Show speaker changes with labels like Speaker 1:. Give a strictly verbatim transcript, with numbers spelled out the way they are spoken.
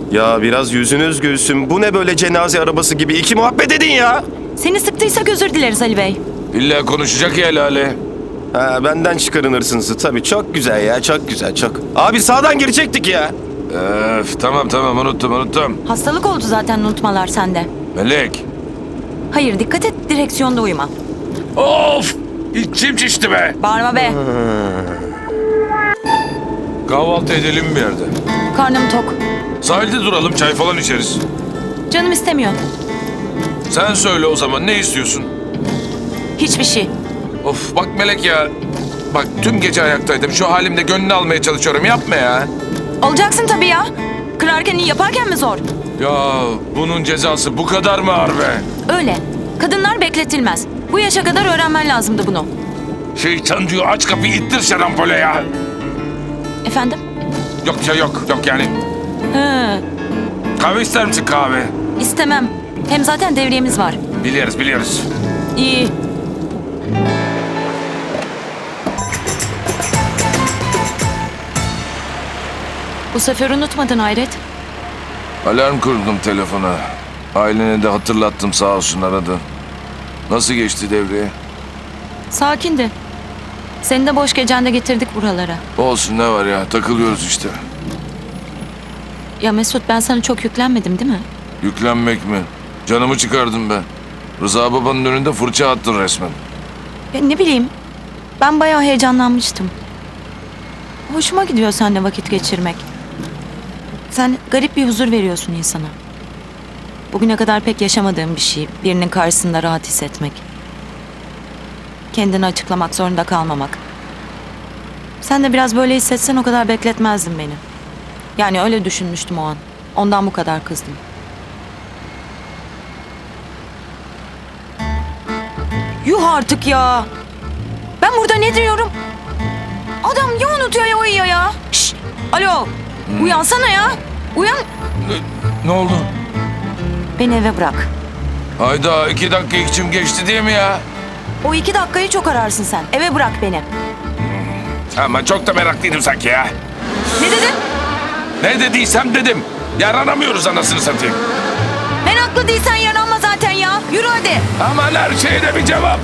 Speaker 1: Ya biraz yüzünüz gülsün. Bu ne böyle cenaze arabası gibi? İki muhabbet edin ya.
Speaker 2: Seni sıktıysak özür dileriz Ali Bey.
Speaker 3: İlla konuşacak ya Lale.
Speaker 1: Ha, benden çıkarın hırsınızı tabii. Çok güzel ya, çok güzel, çok. Abi sağdan girecektik ya.
Speaker 3: Öf, tamam tamam unuttum unuttum.
Speaker 2: Hastalık oldu zaten unutmalar sende.
Speaker 3: Melek.
Speaker 2: Hayır dikkat et direksiyonda uyuma.
Speaker 3: Of! İçim şişti be.
Speaker 2: Bağırma be.
Speaker 3: Kahvaltı edelim bir yerde.
Speaker 2: Karnım tok.
Speaker 3: Sahilde duralım, çay falan içeriz.
Speaker 2: Canım istemiyor.
Speaker 3: Sen söyle o zaman, ne istiyorsun?
Speaker 2: Hiçbir şey.
Speaker 3: Of bak Melek ya. Bak tüm gece ayaktaydım. Şu halimde gönlünü almaya çalışıyorum. Yapma ya.
Speaker 2: Olacaksın tabii ya. Kırarken iyi yaparken mi zor?
Speaker 3: Ya bunun cezası bu kadar mı ağır be?
Speaker 2: Öyle. Kadınlar bekletilmez. Bu yaşa kadar öğrenmen lazımdı bunu.
Speaker 3: Şeytan diyor aç kapıyı ittir şarampole ya.
Speaker 2: Efendim?
Speaker 3: Yok ya yok yok yani.
Speaker 2: Hı,
Speaker 3: Kahve ister misin kahve?
Speaker 2: istemem. Hem zaten devriyemiz var.
Speaker 3: Biliyoruz biliyoruz.
Speaker 2: İyi. Bu sefer unutmadın hayret.
Speaker 3: Alarm kurdum telefona. Ailene de hatırlattım sağ olsun aradı. Nasıl geçti devriye?
Speaker 2: Sakindi. Seni de boş gecende getirdik buralara.
Speaker 3: Olsun ne var ya takılıyoruz işte.
Speaker 2: Ya Mesut ben sana çok yüklenmedim değil mi?
Speaker 3: Yüklenmek mi? Canımı çıkardın be. Rıza babanın önünde fırça attın resmen.
Speaker 2: Ya ne bileyim. Ben bayağı heyecanlanmıştım. Hoşuma gidiyor seninle vakit geçirmek. Sen garip bir huzur veriyorsun insana. Bugüne kadar pek yaşamadığım bir şey. Birinin karşısında rahat hissetmek. Kendini açıklamak zorunda kalmamak. Sen de biraz böyle hissetsen o kadar bekletmezdin beni. Yani öyle düşünmüştüm o an. Ondan bu kadar kızdım. Yuh artık ya. Ben burada ne diyorum? Adam ya unutuyor ya uyuyor ya. Şşş. Alo. Uyansana ya. Uyan.
Speaker 3: Ne, ne oldu?
Speaker 2: Beni eve bırak.
Speaker 3: Hayda iki dakika içim geçti değil mi ya?
Speaker 2: O iki dakikayı çok ararsın sen. Eve bırak beni.
Speaker 3: Ama çok da meraklıydım sanki ya.
Speaker 2: Ne dedin?
Speaker 3: Ne dediysem dedim. Yaranamıyoruz anasını satayım.
Speaker 2: Ben haklı değilsen yaranma zaten ya. Yürü hadi.
Speaker 3: Aman her şeyde bir cevap